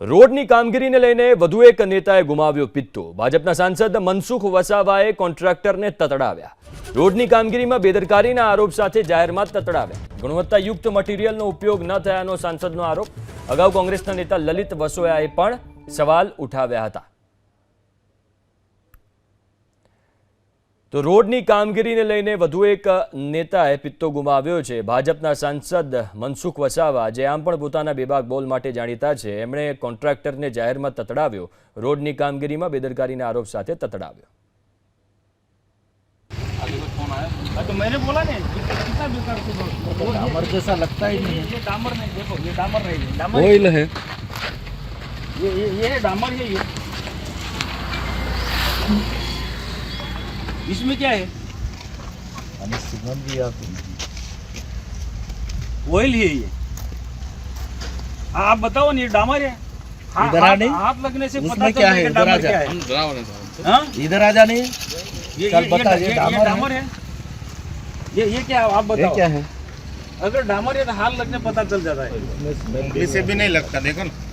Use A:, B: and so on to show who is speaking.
A: રોડની કામગીરીને લઈને વધુ એક નેતાએ ગુમાવ્યો પિત્તો। ભાજપના સાંસદ મનસુખ વસાવાએ કોન્ટ્રાક્ટરને તતડાવ્યા। રોડની કામગીરીમાં બેદરકારીના આરોપ સાથે જાહેરમાં તતડાવ્યા। ગુણવત્તાયુક્ત મટીરીયલનો ઉપયોગ ન થયાનો સાંસદનો આરોપ। અગાઉ કોંગ્રેસના નેતા લલિત વસોયાએ પણ સવાલ ઉઠાવ્યા હતા। તો રોડની કામગીરીને લઈને વધુ એક નેતાએ પિત્તો ગુમાવ્યો છે। ભાજપના સાંસદ મનસુખ વસાવા, જે આમ પણ પોતાના બેબાક બોલ માટે જાણીતા છે, એમણે કોન્ટ્રાક્ટરને જાહેરમાં તતડાવ્યો। રોડની કામગીરીમાં બેદરકારીના આરોપ સાથે તતડાવ્યો।
B: तो मैंने बोला नहीं कितना बेकार से डामर जैसा लगता ही नहीं है। ये डामर नहीं, देखो ये डामर नहीं है, डामर
C: ऑयल है।
B: ये है डामर है। ये इसमें क्या है?
C: हमें सुगंध भी आती है।
B: ऑयल है ये। आप बताओ ना, ये डामर है।
C: इधर आ नहीं,
B: हाथ लगने से पता
C: उसमें क्या है?
B: चलेगा डामर क्या है। हाँ?
C: इधर आ जाने, चल बता, ये
B: डामर है। ये क्या है? आप
C: ये
B: बताओ
C: क्या है?
B: अगर डामर है तो हाथ लगने पता चल जाता है।
C: इसमें
D: से भी नहीं लगता, देखो ना।